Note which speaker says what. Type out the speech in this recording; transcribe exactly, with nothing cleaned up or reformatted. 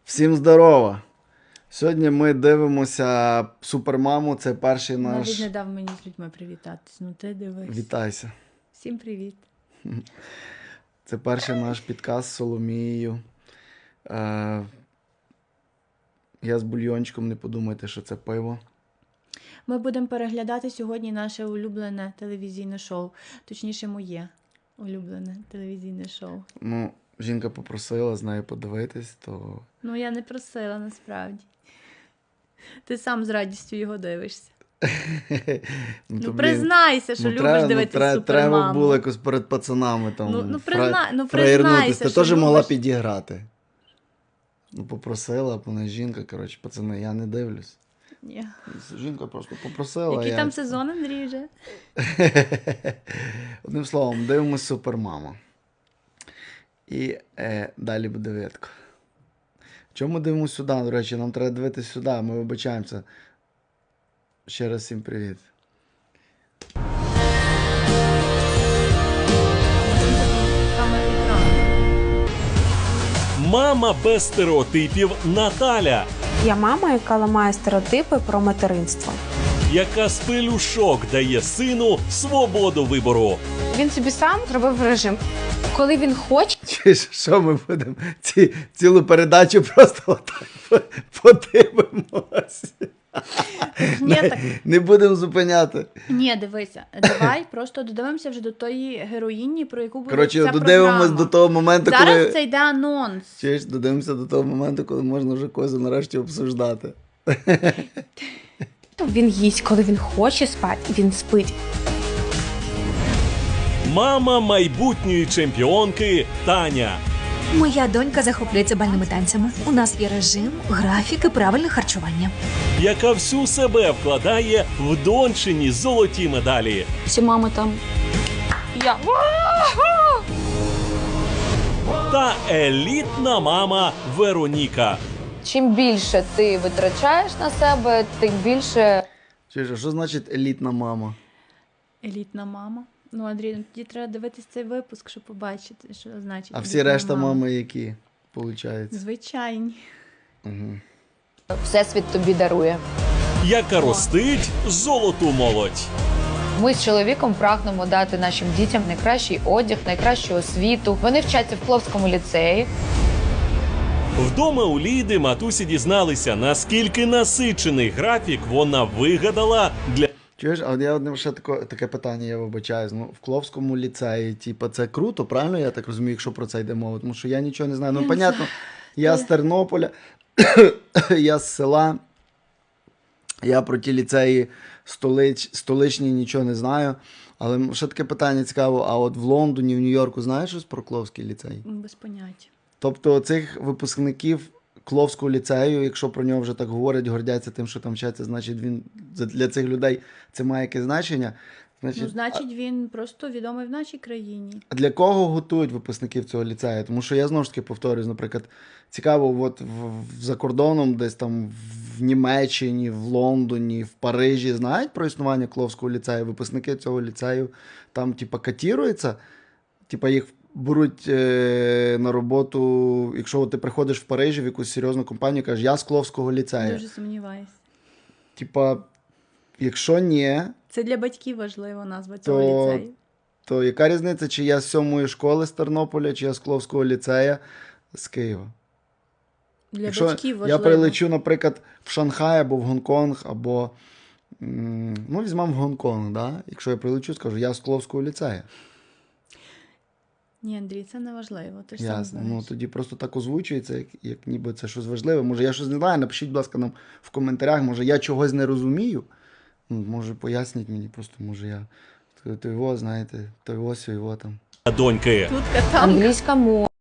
Speaker 1: Всім здорово! Сьогодні ми дивимося Супермаму, це перший наш...
Speaker 2: Навіть не дав мені з людьми привітатись, ну ти дивись.
Speaker 1: Вітайся.
Speaker 2: Всім привіт.
Speaker 1: Це перший наш підказ з Соломією. Е... Я з бульйончиком, не подумайте, що це пиво.
Speaker 2: Ми будемо переглядати сьогодні наше улюблене телевізійне шоу. Точніше, моє улюблене телевізійне шоу.
Speaker 1: Ну, жінка попросила з нею подивитись, то...
Speaker 2: Ну, я не просила, насправді. Ти сам з радістю його дивишся.
Speaker 1: ну,
Speaker 2: Ну,
Speaker 1: то, блін,
Speaker 2: признайся, що
Speaker 1: ну,
Speaker 2: любиш
Speaker 1: треба,
Speaker 2: дивитися
Speaker 1: ну, треба,
Speaker 2: Супермаму.
Speaker 1: треба було якось перед пацанами там
Speaker 2: Ну, ну,
Speaker 1: фра...
Speaker 2: призна... ну
Speaker 1: фраєрнутись.
Speaker 2: признайся,
Speaker 1: Ти
Speaker 2: що
Speaker 1: теж могла
Speaker 2: любиш.
Speaker 1: підіграти. Ну, попросила, вона жінка, коротше, пацани, я не дивлюсь.
Speaker 2: Ні.
Speaker 1: Жінка просто попросила.
Speaker 2: Який
Speaker 1: я...
Speaker 2: там сезон, Андрій, вже?
Speaker 1: Одним словом, дивимось Супермаму. І е, далі буде видко. Чому дивимося сюди? До речі, нам треба дивитися сюди, ми вибачаємося. Ще раз всім привіт.
Speaker 3: Мама без стереотипів Наталя,
Speaker 4: Я мама, яка ламає стереотипи про материнство.
Speaker 3: яка з пелюшок дає сину свободу вибору.
Speaker 4: Він собі сам зробив режим. Коли він хоче,
Speaker 1: Чи ж, що ми будемо ці, цілу передачу просто отак по- подивимось?
Speaker 2: Ні,
Speaker 1: не,
Speaker 2: так.
Speaker 1: не будемо зупиняти.
Speaker 2: Ні, дивися, давай просто додивимося вже до тої героїні, про яку буде
Speaker 1: Коротше,
Speaker 2: ця
Speaker 1: додивимось
Speaker 2: програма.
Speaker 1: до того моменту,
Speaker 2: Зараз
Speaker 1: коли...
Speaker 2: це йде анонс.
Speaker 1: Чуєш, додивимося до того моменту, коли можна вже когось нарешті обсуждати.
Speaker 4: він їсть, коли він хоче спати, він спить.
Speaker 3: Мама майбутньої чемпіонки Таня,
Speaker 5: Моя донька захоплюється бальними танцями. У нас є режим, графік і правильне харчування.
Speaker 3: яка всю себе вкладає в дончині золоті медалі.
Speaker 4: Всі мами там. Я.
Speaker 3: Та елітна мама Вероніка.
Speaker 6: Чим більше ти витрачаєш на себе, тим більше
Speaker 1: Чуєш, а що значить елітна мама?
Speaker 2: Елітна мама. Ну, Андрій, ну тоді треба дивитися цей випуск, щоб побачити, що значить.
Speaker 1: А всі
Speaker 2: елітна
Speaker 1: решта
Speaker 2: мама.
Speaker 1: мами які, виходить?
Speaker 2: Звичайні.
Speaker 1: Угу.
Speaker 6: всесвіт тобі дарує.
Speaker 3: Яка ростить золоту молодь.
Speaker 6: Ми з чоловіком прагнемо дати нашим дітям найкращий одяг, найкращу освіту. Вони вчаться в Пловському ліцеї.
Speaker 3: Вдома у Ліди матусі дізналися, наскільки насичений графік вона вигадала для
Speaker 1: Чуєш, а от я одне ще таке, таке питання, я вибачаюсь. Ну, в Кловському ліцеї, типу, це круто, правильно я так розумію, якщо про це йде мова? Тому що я нічого не знаю. Ну, понятно, я з Тернополя, я з села, я про ті ліцеї столич, столичні нічого не знаю. Але ще таке питання цікаво, а от в Лондоні, в Нью-Йорку знаєш щось про Кловський ліцей?
Speaker 2: Без поняття.
Speaker 1: Тобто цих випускників Кловського ліцею, якщо про нього вже так говорять, гордяться тим, що там вчаться, значить він для цих людей це має якесь значення. Значить,
Speaker 2: Ну, значить, він просто відомий в нашій країні.
Speaker 1: а для кого готують випускників цього ліцею? Тому що я знову ж таки повторюсь, наприклад, цікаво, от в, в, за кордоном, десь там в Німеччині, в Лондоні, в Парижі знають про існування Кловського ліцею. Випускники цього ліцею там, типа, катіруються, типа їх беруть е, на роботу, якщо ти приходиш в Парижі в якусь серйозну компанію, кажеш, я з Кловського ліцею.
Speaker 2: Дуже сумніваюся.
Speaker 1: Типа, якщо ні,
Speaker 2: Це для батьків важлива назва цього
Speaker 1: То-
Speaker 2: ліцею.
Speaker 1: то яка різниця, чи я з сьомої школи з Тернополя, чи я з Кловського ліцею з Києва?
Speaker 2: Для
Speaker 1: Якщо
Speaker 2: батьків
Speaker 1: я
Speaker 2: важливо.
Speaker 1: прилечу, наприклад, в Шанхай або в Гонконг, або, м, ну, візьмемо в Гонконг, да? Якщо я прилечу, скажу, я з Кловського ліцею.
Speaker 2: Ні, Андрій, це не важливо. Ти ж сам
Speaker 1: Ясно.
Speaker 2: знаєш.
Speaker 1: Ну, тоді просто так озвучується, як, як ніби це щось важливе. Може, я щось не знаю, напишіть, будь ласка, нам в коментарях, може, я чогось не розумію. Ну, може, поясніть мені, просто, може, я то його, знаєте, то його, сьо його там.
Speaker 3: доньки.
Speaker 2: Тут там.
Speaker 6: Англійська мова.